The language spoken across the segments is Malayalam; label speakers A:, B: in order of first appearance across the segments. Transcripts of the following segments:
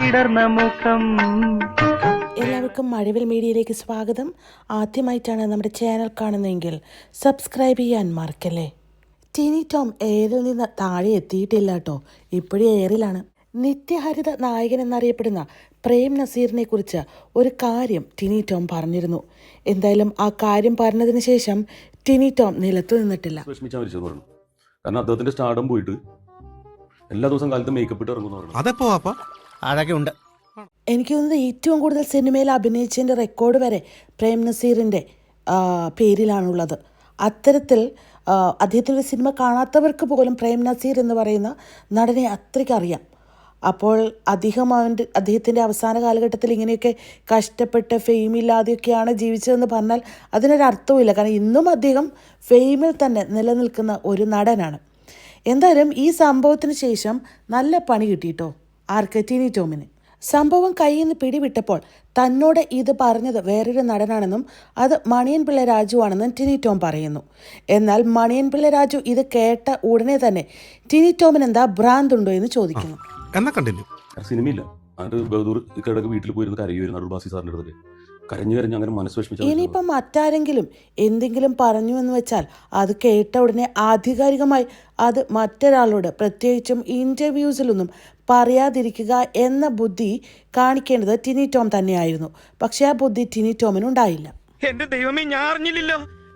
A: വിടർന്ന മുഖം.
B: എല്ലാവർക്കും മഴവിൽ മീഡിയയിലേക്ക് സ്വാഗതം. ആദ്യമായിട്ടാണ് നമ്മുടെ ചാനൽ കാണുന്നതെങ്കിൽ സബ്സ്ക്രൈബ് ചെയ്യാൻ മറക്കല്ലേ. ടിനി ടോം എയറിൽ നിന്ന് താഴെ എത്തിയിട്ടില്ല കേട്ടോ, ഇപ്പോഴും എയറിലാണ്. നിത്യഹരിത നായകൻ എന്നറിയപ്പെടുന്ന പ്രേം നസീറിനെ കുറിച്ച് ഒരു കാര്യം ടിനി ടോം പറഞ്ഞിരുന്നു. എന്തായാലും ആ കാര്യം പറഞ്ഞതിന് ശേഷം ടിനി ടോം നിലത്തു നിന്നിട്ടില്ല.
C: കാരണം അദ്ദേഹത്തിന്റെ സ്റ്റാർഡം പോയിട്ട് എല്ലാ ദിവസം കാലത്ത് മേക്കപ്പ് ഇട്ട് ഇറങ്ങുന്നു.
D: അതൊക്കെ ഉണ്ട്.
B: എനിക്ക് തോന്നുന്നത് ഏറ്റവും കൂടുതൽ സിനിമയിൽ അഭിനയിച്ചതിൻ്റെ റെക്കോർഡ് വരെ പ്രേം നസീറിൻ്റെ പേരിലാണുള്ളത്. അത്തരത്തിൽ അദ്ദേഹത്തിൻ്റെ സിനിമ കാണാത്തവർക്ക് പോലും പ്രേം നസീർ എന്ന് പറയുന്ന നടനെ അത്രയ്ക്ക് അറിയാം. അപ്പോൾ അദ്ദേഹത്തിൻ്റെ അവസാന കാലഘട്ടത്തിൽ ഇങ്ങനെയൊക്കെ കഷ്ടപ്പെട്ട് ഫെയിമില്ലാതെയൊക്കെയാണ് ജീവിച്ചതെന്ന് പറഞ്ഞാൽ അതിനൊരർത്ഥവുമില്ല. കാരണം ഇന്നും അദ്ദേഹം ഫെയിമിൽ തന്നെ നിലനിൽക്കുന്ന ഒരു നടനാണ്. എന്തായാലും ഈ സംഭവത്തിന് ശേഷം നല്ല പണി കിട്ടിയിട്ടോ ആർക്ക്? ടിനി ടോമിന്. സംഭവം കയ്യിൽ നിന്ന് പിടിവിട്ടപ്പോൾ തന്നോട് ഇത് പറഞ്ഞത് വേറൊരു നടനാണെന്നും അത് മണിയൻ പിള്ള രാജു ആണെന്നും ടിനി ടോം പറയുന്നു. എന്നാൽ മണിയൻ പിള്ള രാജു ഇത് കേട്ട ഉടനെ തന്നെ ടിനി ടോമിന് എന്താ ഭ്രാന്തുണ്ടോ എന്ന് ചോദിക്കുന്നു.
C: സിനിമയില്ല വീട്ടിൽ പോയിരുന്ന് കരയുമായിരുന്നു അടൂർ ബാസി സാറിന്റെ അടുത്ത്. കരഞ്ഞു അങ്ങനെ മനസ്സ് വിഷമിച്ചു.
B: ഇനിയിപ്പം മറ്റാരെങ്കിലും എന്തെങ്കിലും പറഞ്ഞു എന്ന് വെച്ചാൽ അത് കേട്ട ഉടനെ ആധികാരികമായി അത് മറ്റൊരാളോട്, പ്രത്യേകിച്ചും ഇന്റർവ്യൂസിലൊന്നും പറയാതിരിക്കുക എന്ന ബുദ്ധി കാണിക്കേണ്ടത് ടിനി ടോം തന്നെയായിരുന്നു. പക്ഷെ ആ ബുദ്ധി ടിനി ടോമിനുണ്ടായില്ല.
D: എന്റെ ദൈവമേ, ഞാൻ അറിഞ്ഞില്ലല്ലോ.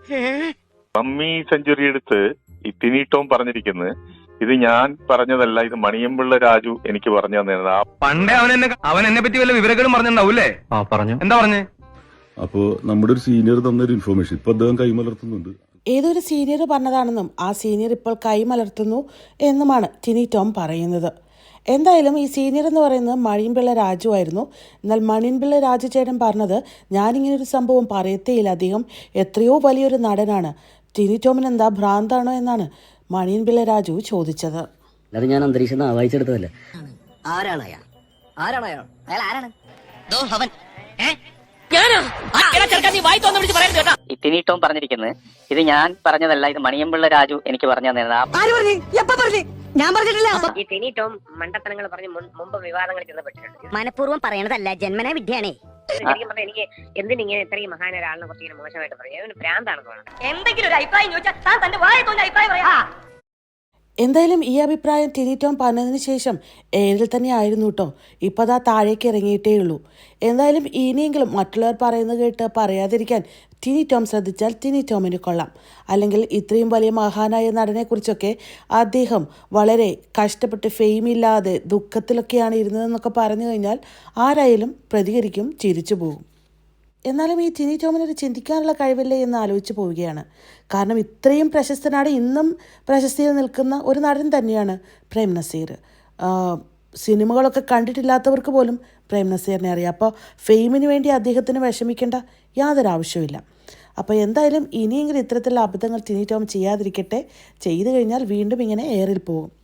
E: മമ്മി സെഞ്ചുറി എടുത്ത് ഈ ടിനി ടോം പറഞ്ഞിരിക്കുന്നത് ഇത് ഞാൻ പറഞ്ഞതല്ല, ഇത് മണിയമ്പിള്ള രാജു എനിക്ക് പറഞ്ഞു തന്നതാണ്.
F: പണ്ടേ അവൻ എന്നെ പറ്റി വല്ല വിവരങ്ങളും പറഞ്ഞിട്ടുണ്ടാവൂല്ലേ? പറഞ്ഞു. എന്താ പറഞ്ഞേ?
C: അപ്പോ നമ്മുടെ ഒരു സീനിയർ തന്നൊരു ഇൻഫോർമേഷൻ ഇപ്പൊ അദ്ദേഹം കൈമലർത്തുന്നുണ്ട്.
B: ഏതൊരു സീനിയർ പറഞ്ഞതാണെന്നും ആ സീനിയർ ഇപ്പോൾ കൈമലർത്തുന്നു എന്നുമാണ് ടിനി ടോം പറയുന്നത്. എന്തായാലും ഈ സീനിയർ എന്ന് പറയുന്നത് മണിയൻപിള്ള രാജു ആയിരുന്നു. എന്നാൽ മണിയൻപിള്ള രാജു ചേട്ടൻ പറഞ്ഞത് ഞാനിങ്ങനൊരു സംഭവം പറയത്തേയില്ല, അദ്ദേഹം എത്രയോ വലിയൊരു നടനാണ്, ടിനി ടോമിന് എന്താ ഭ്രാന്താണോ എന്നാണ് മണിയൻപിള്ള രാജു ചോദിച്ചത്.
G: അത് ഞാൻ അന്തരീക്ഷം വായിച്ചെടുത്തതല്ല.
H: ടിനി ടോം പറഞ്ഞിരിക്കുന്നത് ഇത് ഞാൻ പറഞ്ഞതല്ല, ഇത് മണിയമ്പിള്ള രാജു എനിക്ക് പറഞ്ഞു തന്നതാണ്.
I: ഈ ടിനി ടോം മണ്ടത്തനങ്ങൾ പറഞ്ഞ് മുമ്പ് വിവാദങ്ങൾ ചെന്നപ്പെട്ടിട്ടുണ്ട്. മനഃപൂർവ്വം പറയണതല്ല, ജന്മനാ വിദ്യയാണേ. ശരിക്കും പറഞ്ഞാൽ എനിക്ക് എന്തിനിങ്ങനെ ഇത്രയും മഹാന ഒരാളിനെ കുറിച്ച് ഇങ്ങനെ മോശമായിട്ട് പറയാം, ഭ്രാന്താണെന്ന് തോന്നുന്നത്. എന്തെങ്കിലും ഒരു അഭിപ്രായം ചോദിച്ചാൽ താൻ തന്റെ വായത്തോന്റെ അഭിപ്രായം പറയാ.
B: എന്തായാലും ഈ അഭിപ്രായം ടിനി ടോം പറഞ്ഞതിന് ശേഷം ഏരിൽ തന്നെ ആയിരുന്നു കേട്ടോ. ഇപ്പോൾ അതാ താഴേക്ക് ഇറങ്ങിയിട്ടേ ഉള്ളൂ. എന്തായാലും ഇനിയെങ്കിലും മറ്റുള്ളവർ പറയുന്നത് കേട്ട് പറയാതിരിക്കാൻ ടിനി ടോം ശ്രദ്ധിച്ചാൽ ടിനി ടോമിന് കൊള്ളാം. അല്ലെങ്കിൽ ഇത്രയും വലിയ മഹാനായ നടനെക്കുറിച്ചൊക്കെ അദ്ദേഹം വളരെ കഷ്ടപ്പെട്ട് ഫെയിമില്ലാതെ ദുഃഖത്തിലൊക്കെയാണ് ഇരുന്നതെന്നൊക്കെ പറഞ്ഞു കഴിഞ്ഞാൽ ആരായാലും പ്രതികരിക്കും, ചിരിച്ചു പോകും. എന്നാലും ഈ ടിനി ടോമിനൊരു ചിന്തിക്കാനുള്ള കഴിവില്ലേ എന്ന് ആലോചിച്ച് പോവുകയാണ്. കാരണം ഇത്രയും പ്രശസ്തനാണ്, ഇന്നും പ്രശസ്തിയിൽ നിൽക്കുന്ന ഒരു നടൻ തന്നെയാണ് പ്രേം നസീർ. സിനിമകളൊക്കെ കണ്ടിട്ടില്ലാത്തവർക്ക് പോലും പ്രേം നസീറിനെ അറിയാം. അപ്പോൾ ഫെയിമിന് വേണ്ടി അദ്ദേഹത്തിന് വിഷമിക്കേണ്ട യാതൊരു ആവശ്യമില്ല. അപ്പോൾ എന്തായാലും ഇനിയെങ്കിലും ഇത്തരത്തിലുള്ള അബദ്ധങ്ങൾ ടിനി ടോം ചെയ്യാതിരിക്കട്ടെ. ചെയ്തു കഴിഞ്ഞാൽ വീണ്ടും ഇങ്ങനെ എയറിൽ പോകും.